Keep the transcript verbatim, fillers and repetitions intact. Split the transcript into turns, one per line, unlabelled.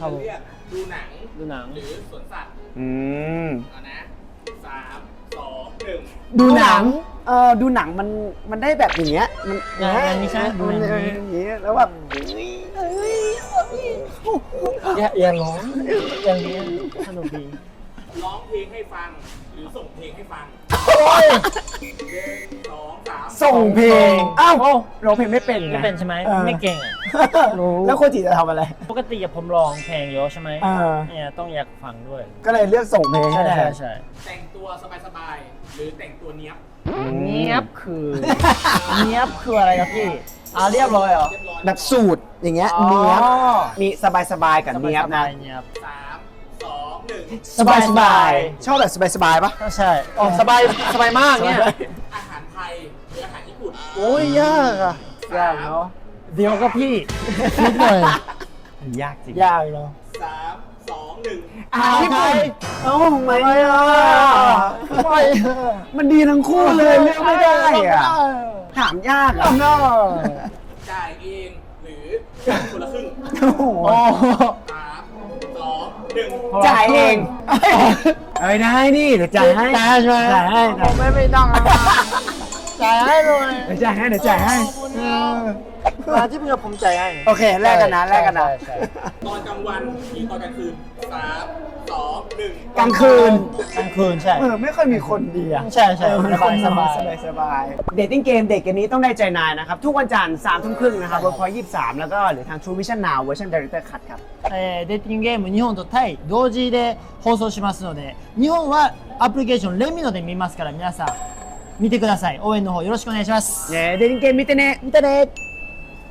ครับผม
เรียกดูหนัง
ดูหนัง
หรือสวนสัตว์
อืม
เอานะสามสองหนึ่ง
ดูหนัง เออดูหนังมันมันได้แบบอย่างเงี้ย มัน
อย่างอย่างนี้ใช่ไหม
มัน
ดู
เอ
อย่างนี้
ออย่างเงี้ยแล้วแบบ
อย่าอย่าร้องอย่างนี้สนุกดี
ร้องเพลงให้ฟัง หรือส่งเพลงให้ฟัง
โอ้ย
หนึ่งสองสาม
ส่งเพลง อ้าว
โอ้
ร้องเพลงไม่เป็นไง
ไม่เป็นใช่ไหม
ออ
ไม่เก่งอ่ะ รู้
แล้วโคจิจะทำอะไร
ปกติอะผมร้องเพลงเยอะใช่ไหม
เออ
เนี่ยต้องอยากฟังด้วย
ก็เลยเลือกส่งเพลง
ใช่
ให้
ใช่ใช่
แต่งตัวสบายๆ หรือแต่งตัวเนี้ยบ
เงียบคือเงียบคืออะไรครับพี่อ่าเรียบร้อยเหรอ
เรียบร้อย
แบบสูตรอย่างเงี้ย
อ๋อ
เนี้ยบมีสบายๆกับเนี้ยบนะ
สายๆเงียบ
สามสองหนึ่ง
สบายๆชอบแบบสบายๆปะ
ก็ใช่อ๋อสบายสบายมากเนี่ย
อาหารไทยหรืออาหารญี่ปุ่น
โอ้ยยากอะยากเนาะเดี๋ยวก็พี่คิดหน่อย
ยากจริง
ยากเนาะ
สามสองหนึ่ง
อาหารญี่ปุ่นเอ้าทำไมอ่ะ
ไม่
มันดีทั้งคู่เลยเลือกไม่ได้อ่ะถามยากอ่ะ
เนาะ
จ่ายเองหรือคนละครึ่ง
โอ้โห
โอ้
สามสองหนึ่ง
จ่ายเองเอ้ยได้นี่เดี๋ยวจ่ายให้
จ่ายใช่ไหม
จ่ายให้
ผมไม่ไม่ต้องอะจ่ายให้เลย
เดี๋ยวจ่ายให้เดี๋ยวจ่ายให้
เออมาที่เพื่อนผมจ่ายให้
โอเคแลกกันนะแลกกันนะ
ใช่ใช่
ตอนกลางวันหรือตอนกลางคืนสามสองหนึ่ง
กลางคืน
กลางคืนใช่
เออไม่ค่อยมีคนดีอ่ะ
ใช่ใช่
เออ
สบายสบาย
สบายสบายเดทติ้งเกมเด็กเกมนี้ต้องได้ใจนายนะครับ ทุกวันจันทร์สามทุ่มครึ่งนะครับบนพอยยี่สิบสามแล้วก็หรือทาง True Vision Now เวอร์ชัน Director Cut ครับ
えー、デーティングゲーム日本とタイ同時で放送しますので日本はアプリケーションレミノで見ますから皆さん見てください応援の方よろしくお願いします
เย้เดทติ้งเกมมิเตเนะ
見てね